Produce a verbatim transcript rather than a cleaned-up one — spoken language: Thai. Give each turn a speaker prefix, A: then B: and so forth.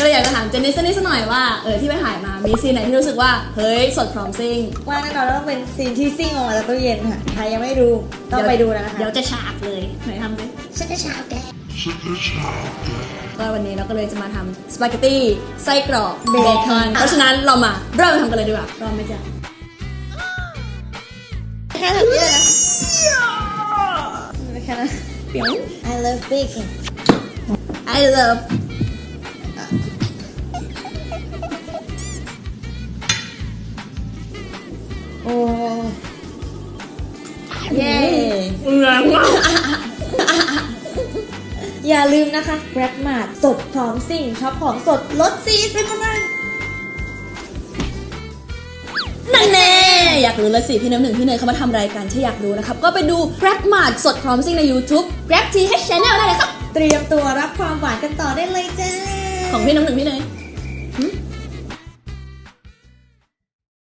A: ก็เลยอยากจะถามเจนนี่สักนิดสักหน่อยว่าเออที่ไปถ่ายมามีซีนไหนที่รู้สึกว่าเฮ้ยสดพร้อมซิ่ง
B: ว่าแน่นอนว่าต้องเป็นซีนที่ซิ่งออกมาจากตู้เย็นค่ะใครยังไม่ดูต้องไปดูนะคะ
A: เดี๋ยวจะฉากเลยไหนทำดิ
B: ฉันจะฉาบแก
A: ก็วันนี้เราก็เลยจะมาทำสปาเกตตี้ไส้กรอกเบคอนเพราะฉะนั้นเรามาเริ่มทำกันเลยดีกว่าพร้อมไหมจ๊ะ
B: แค่แบบนี้เลยนะแค่นั้น I love baking
A: I love
B: โอ้
A: เย้แรงมาก
B: อย่าลืมนะคะ Grab Mart สดพร้อมซิ่งช็อปของสดลดสี่สิบเปอร์เซ็นต์
A: นั่นแน่อยากรู้แล้วสิพี่น้ำหนึ่งพี่เนยเขามาทำรายการที่อยากรู้นะครับก็ไปดู Grab Mart สดพร้อมซิ่งใน YouTube Grab ที เอช Channel ได้เลยครับ
B: เตรียมตัวรับความหวานกันต่อได้เลยจ้า
A: ของพี่น้ำหนึ่งพี่เนย